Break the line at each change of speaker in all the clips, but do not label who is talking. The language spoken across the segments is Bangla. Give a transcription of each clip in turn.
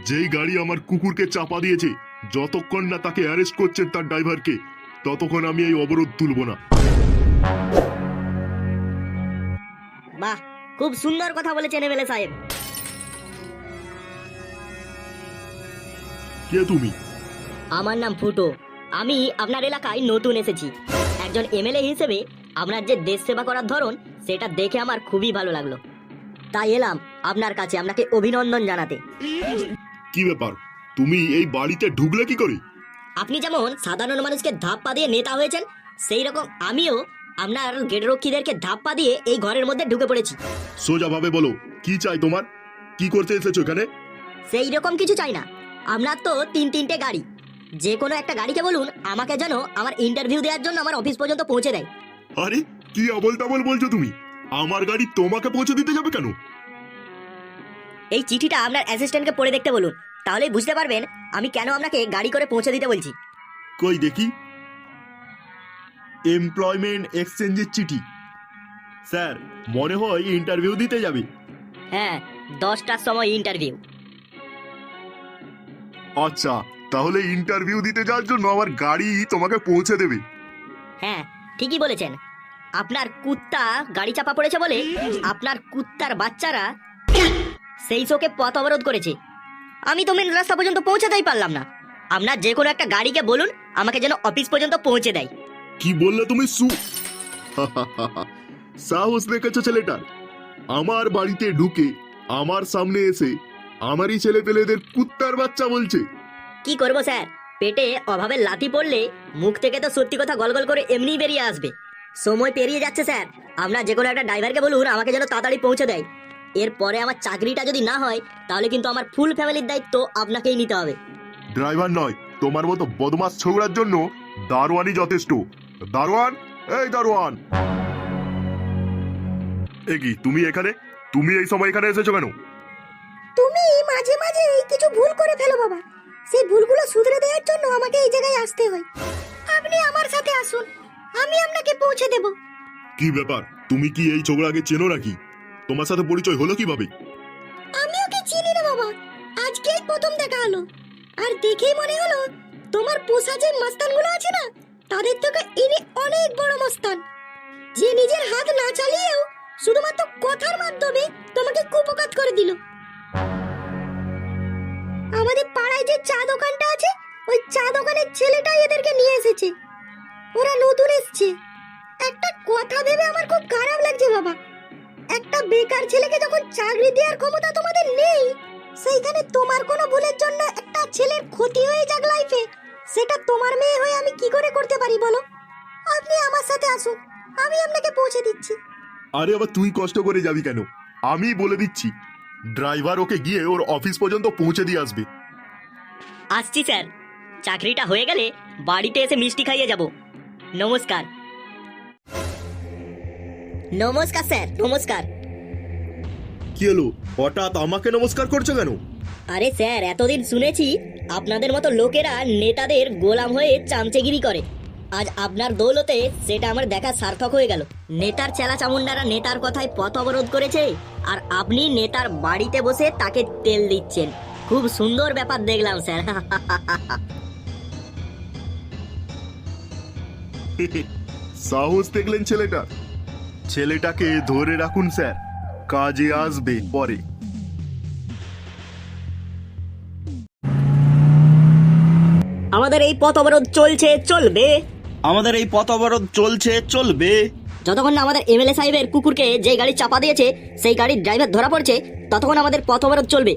যেই গাড়ি আমার কুকুরকে চাপা দিয়েছে, যতক্ষণ না তাকে অ্যারেস্ট করছেন তার ড্রাইভারকে, ততক্ষণ আমি এই অবরোধ তুলব না।
বাহ, খুব সুন্দর কথা বলেছেন এমএলএ সাহেব।
কে তুমি?
আমার নাম ফুটো। আমি আপনার এলাকায় নতুন এসেছি। একজন এমএলএ হিসেবে আপনার যে দেশ সেবা করার ধরন, সেটা দেখে আমার খুবই ভালো লাগলো। তাই এলাম আপনার কাছে আপনাকে অভিনন্দন জানাতে।
কি ব্যাপার, তুমি এই বাড়িতে ঢুকলে কি করে?
আপনি যেমন সাধারণ মানুষকে ধাপ্পা দিয়ে নেতা হয়েছেন, সেই রকম আমিও আপনার গেটরক্ষীদেরকে ধাপ্পা দিয়ে এই ঘরের মধ্যে ঢুকে পড়েছি।
সোজাভাবে বলো, কি চাই তোমার? কি করতে এসেছো এখানে?
সেই রকম কিছু চাই না। আপনার তো তিনটে গাড়ি, যে কোনো একটা গাড়িকে বলুন আমাকে যেন আমার ইন্টারভিউ দেওয়ার জন্য আমার অফিস পর্যন্ত পৌঁছে দেয়।
আরে কি আবল তাবল বলছো তুমি? আমার গাড়ি তোমাকে পৌঁছে দিতে যাবে কেন?
এই চিঠিটা আপনার অ্যাসিস্ট্যান্টকে পড়ে দেখতে বলুন, তাহলেই বুঝতে পারবেন আমি কেন আপনাকে গাড়ি করে পৌঁছে দিতে বলছি।
কই দেখি। এমপ্লয়মেন্ট এক্সচেঞ্জের চিঠি। স্যার, মনে হয় ইন্টারভিউ দিতে যাবে।
হ্যাঁ, 10টার সময় ইন্টারভিউ।
আচ্ছা, তাহলে ইন্টারভিউ দিতে যাওয়ার জন্য আমার গাড়ি তোমাকে পৌঁছে দেবে?
হ্যাঁ, ঠিকই বলেছেন। আপনার কুত্তা গাড়ি চাপা পড়েছে বলে আপনার কুত্তার বাচ্চারা সেই শোকে পথ অবরোধ করেছে। আমি তো মেন রাস্তা পর্যন্ত পৌঁছাতেই পারলাম না। আপনার যে কোনো একটা গাড়িকে বলুন আমাকে যেন অফিস পর্যন্ত পৌঁছে দেয়।
কি বললে তুমি? সাহস দেখেছো ছেলেটার? আমার বাড়িতে ঢুকে আমার সামনে এসে আমারই ছেলে পেলেদের কুত্তার বাচ্চা বলছে।
কি করব স্যার, পেটে অভাবে লাথি পড়লে মুখ থেকে তো সত্যি কথা গলগল করে এমনিই বেরিয়ে আসবে। সময় পেরিয়ে যাচ্ছে স্যার, আপনার যে কোনো একটা ড্রাইভারকে বলুন আমাকে যেন তাড়াতাড়ি পৌঁছে দেয়। এরপরে আমার চাকরিটা যদি না হয় তাহলে কিন্তু আমার ফুল ফ্যামিলির দায়িত্ব আপনাকেই নিতে হবে।
ড্রাইভার নয়, তোমার মতো বদমাস ছোকরার জন্য দারোয়ানই যথেষ্ট। দারোয়ান, এই দারোয়ান! এ কি তুমি এখানে? তুমি এই সময় এখানে এসেছো কেন?
তুমি মাঝে মাঝে কিছু ভুল করে ফেলো বাবা, সেই ভুলগুলো শুধরে দেওয়ার জন্য আমাকে এই জায়গায় আসতে হয়। আপনি আমার সাথে আসুন, আমি আপনাকে পৌঁছে দেব।
কি ব্যাপার, তুমি কি এই ছোকরাকে চেনো নাকি? তোমার সাথে পরিচয় হলো কিভাবে?
আমি ওকে চিনি না বাবা, আজকেই প্রথম দেখা হলো। আর দেখেই মনে হলো তোমার পোষা যে মস্তানগুলো আছে না, তাদের থেকে ইনি অনেক বড় মস্তান, যে নিজের হাত না চালিয়েও শুধুমাত্র কথার মাধ্যমে তোমাকে কুপকাত করে দিল। আমাদের পাড়ায় যে চা দোকানটা আছে, ওই চা দোকানের ছেলেটাই এদেরকে নিয়ে এসেছে। ওরা নতুন এসেছে। একটা কথা ভেবে আমার খুব খারাপ লাগছে বাবা, একটা বেকার ছেলেকে যখন চাকরি দেওয়ার ক্ষমতা তোমাদের নেই, সেইখানে তোমার কোনো ভুলের জন্য একটা ছেলের ক্ষতি হয়ে যাক লাইফে, সেটা তোমার মেয়ে হয়ে আমি কি করে করতে পারি বলো? আপনি আমার সাথে আসুন, আমি আপনাকে পৌঁছে দিচ্ছি।
আরে আবার তুই কষ্ট করে যাবি কেন? আমি বলে দিচ্ছি, ড্রাইভার ওকে গিয়ে ওর অফিস পর্যন্ত পৌঁছে দিয়ে আসবে।
আসছি স্যার, চাকরিটা হয়ে গেলে বাড়িতে এসে মিষ্টি খাইয়ে যাব। নমস্কার। নমস্কার স্যার, নমস্কার।
কি হলো, হঠাৎ আমাকে নমস্কার করছো কেন?
আরে স্যার, এতদিন শুনেছি আপনাদের মতো লোকেরা নেতাদের গোলাম হয়ে চামচেগিরি করে। আজ আপনার দৌলতে সেটা আমার দেখা সার্থক হয়ে গেল। নেতার চেলা চামুন্ডারা নেতার কথায় পথ অবরোধ করেছে, আর আপনি নেতার বাড়িতে বসে তাকে তেল দিচ্ছেন। খুব সুন্দর ব্যাপার দেখলাম স্যার।
সাহস দেখলেন ছেলেটা? ছেলেটাকে ধরে রাখুন স্যার, কাজে আসবে পরে।
আমাদের এই পথ অবরোধ চলছে, চলবে।
আমাদের এই পথ অবরোধ চলছে, চলবে
যতক্ষণ না আমাদের এমএলএ সাহেবের কুকুরকে যে গাড়ি চাপা দিয়েছে সেই গাড়ির ড্রাইভার ধরা পড়ছে, ততক্ষণ আমাদের পথ অবরোধ চলবে।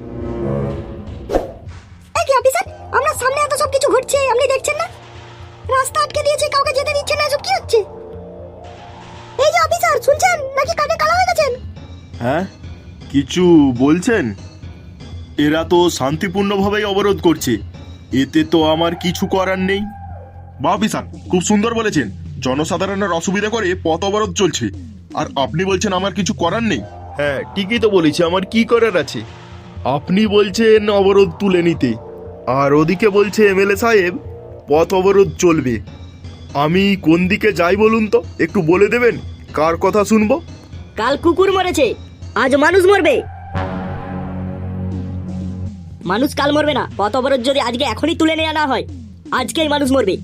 এই কি অফিসার, আমরা সামনে এত সব কিছু ঘটছে আপনি দেখছেন না? রাস্তা আটকে দিয়েছে, কাউকে যেতে দিচ্ছে না, এসব কি হচ্ছে? এই যে অফিসার, শুনছেন নাকি কানে কালা হয়ে গেছেন?
হ্যাঁ, কিছু বলছেন? এরা তো শান্তিপূর্ণভাবেই অবরোধ করছে, এতে তো আমার কিছু করার নেই। বা অফিসার, খুব সুন্দর বলেছেন, জনসাধারণের অসুবিধা করে পথ অবরোধ চলছে, আর আপনি বলছেন আমার কিছু করার নেই। হ্যাঁ, ঠিকই তো বলেছি, আমার কি করার আছে? আপনি বলছেন অবরোধ তুলে নিতে, আর ওদিকে বলছে এমএলএ সাহেব পথ অবরোধ চলবে। আমি কোন দিকে যাই বলুন তো, একটু বলে দেবেন? কার কথা শুনবো?
কাল কুকুর মরেছে, আজ মানুষ মরবে। মানুষ কাল মরবে না, পথ অবরোধ যদি আজকে এখনই তুলে নেওয়া না হয়, আজকেই মানুষ মরবে।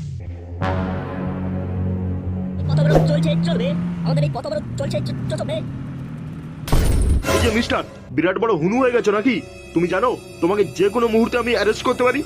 পথ অবরোধ চলছে, চলবে। আমাদের এই পথ অবরোধ চলছে, চলবে।
এই যে মিস্টার, বিরাট বড় হুনু হয়ে গেছো নাকি? তুমি জানো তোমাকে যে কোনো মুহূর্তে আমি অ্যারেস্ট করতে পারি।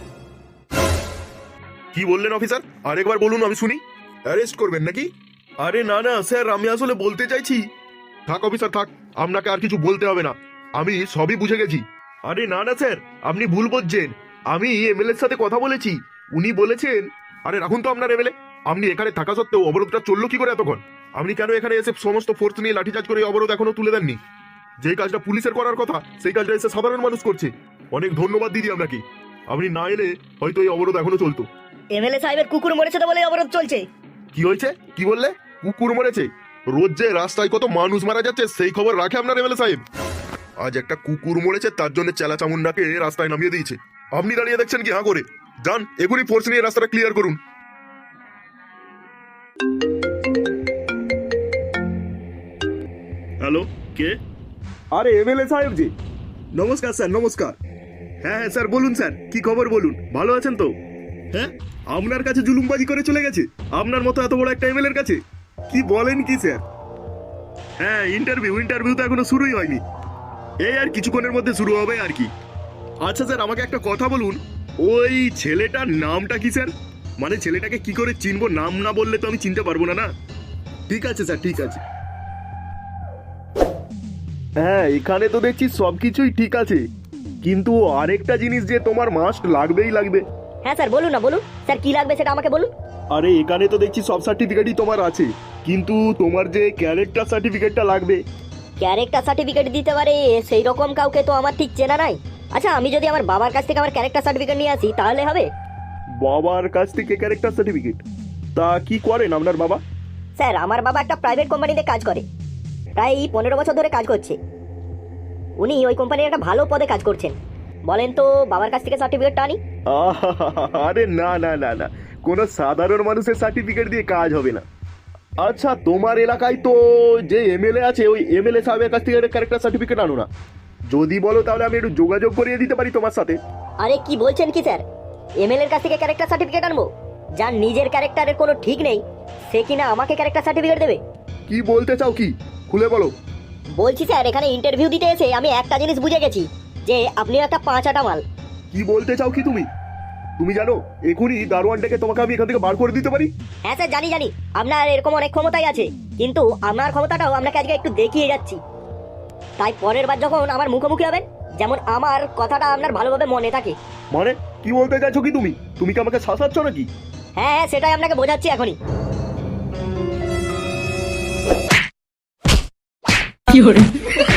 কি বললেন অফিসার? আরেকবার বলুন, আমি শুনি। অ্যারেস্ট করবেন নাকি? আরে না না স্যার, আমি আসলে বলতে চাইছি। থাক অফিসার থাক, আপনাকে আর কিছু বলতে হবে না, আমি সবই বুঝে গেছি। আরে না না স্যার, আপনি ভুল বুঝছেন। আমি এমএলএ এর সাথে কথা বলেছি, উনি বলেছেন। আরে রাখুন তো আপনার এমএলএ। আপনি এখানে থাকা সত্ত্বেও অবরোধটা চললো কি করে এতক্ষণ? আপনি কেন এখানে এসে সমস্ত ফোর্স নিয়ে লাঠিচার্জ করে অবরোধ এখনো তুলে দেননি? যে কাজটা পুলিশের করার কথা সেই কাজটা এসে সাধারণ মানুষ করছে। অনেক ধন্যবাদ দিদি আপনাকে, আপনি না এলে হয়তো এই অবরোধ এখনো চলতো।
এমএলএ সাহেবের কুকুর মরেছে তো বলে অবরোধ চলছে।
কি হয়েছে? কি বললে? কুকুর মরেছে? রোজ যে রাস্তায় কত মানুষ মারা যাচ্ছে সেই খবর রাখে আপনার এমএলএ সাহেব? আজ একটা কুকুর মরেছে, তার জন্য চেলা চামুন্ডাকে রাস্তায় নামিয়ে দিয়েছে। আপনি দাঁড়িয়ে দেখছেন কি হ্যাঁ করে? যান এখনই ফোর্স নিয়ে রাস্তাটা ক্লিয়ার করুন। হ্যালো, কে? আরে এমএলএ সাহেব জি। নমস্কার স্যার, নমস্কার। হ্যাঁ হ্যাঁ স্যার, বলুন স্যার, কি খবর বলুন। ভালো আছেন তো? হ্যাঁ, আপনার কাছে জুলুমবাজি করে চলে গেছে আপনার মতো এত বড় একটা এমএলএর কাছে? কি বলেন কি স্যার? হ্যাঁ, ইন্টারভিউ তো এখনো শুরুই হয়নি, এই আর কিছুক্ষণের মধ্যে শুরু হবে আর কি। আচ্ছা স্যার, আমাকে একটা কথা বলুন, ওই ছেলেটার নামটা কি স্যার? মানে ছেলেটাকে কি করে চিনবো? নাম না বললে তো আমি চিনতে পারবো না। না ঠিক আছে স্যার, ঠিক আছে। হ্যাঁ, এখানে তো দেখছি সবকিছুই ঠিক আছে, কিন্তু আরেকটা জিনিস যে তোমার মাস্ট লাগবেই লাগবে।
হ্যাঁ স্যার, বলুন না, বলুন স্যার, কি লাগবে সেটা আমাকে বলুন।
আরে এখানে তো দেখছি সব সার্টিফিকেটই তোমার আছে, কিন্তু তোমার যে ক্যারেক্টার সার্টিফিকেটটা লাগবে।
ক্যারেক্টার সার্টিফিকেট দিতে পারে সেই রকম কাউকে তো আমার ঠিক চেনা নাই। আচ্ছা, আমি যদি আমার বাবার কাছ থেকে আমার ক্যারেক্টার সার্টিফিকেট নিয়ে আসি তাহলে হবে?
বাবার কাছ থেকে ক্যারেক্টার সার্টিফিকেট? তা কি করেন আপনার বাবা?
স্যার, আমার বাবা একটা প্রাইভেট কোম্পানিতে কাজ করে, প্রায় 15 বছর ধরে কাজ করছে। উনি ওই কোম্পানির একটা ভালো পদে কাজ করছেন। বলেন তো বাবার কাছ থেকে সার্টিফিকেটটা আনি?
আরে না না না না, কোনো সাধারণ মানুষের সার্টিফিকেট দিয়ে কাজ হবে না। আচ্ছা, তোমার এলাকায় তো যে এমএলএ আছে, ওই এমএলএ সাহেবের কাছ থেকে ক্যারেক্টার সার্টিফিকেট আনো না? যদি বলো তাহলে আমি একটু যোগাযোগ করিয়ে দিতে পারি তোমার সাথে।
আরে কি বলছেন কি স্যার, এমএলএ এর কাছ থেকে ক্যারেক্টার সার্টিফিকেট আনবো? যার নিজের ক্যারেক্টারের কোনো ঠিক নেই সে কিনা আমাকে ক্যারেক্টার সার্টিফিকেট দেবে?
কি বলতে চাও, কি খুলে বলো।
বলছি স্যার, এখানে ইন্টারভিউ দিতে এসে আমি একটা জিনিস বুঝে গেছি, যে আপনি একটা 5 আটা মাল।
কি বলতে চাও কি তুমি? তুমি জানো এখনই দারোয়ান ডেকে তোমাকে আমি এখান থেকে বার করে দিতে পারি।
হ্যাঁ স্যার, জানি জানি, আপনার এরকম অনেক ক্ষমতাই আছে, কিন্তু আমার ক্ষমতাটাও আপনাকে আজকে একটু দেখিয়ে যাচ্ছি। তাই পরের বার যখন আমার মুখোমুখি হবেন, যেমন আমার কথাটা আপনার ভালোভাবে মনে থাকে।
মানে কি বলতে চাইছো কি তুমি? তুমি কি আমাকে শাসাচ্ছ নাকি?
হ্যাঁ হ্যাঁ, সেটাই আপনাকে বোঝাচ্ছি এখনই।
কি hore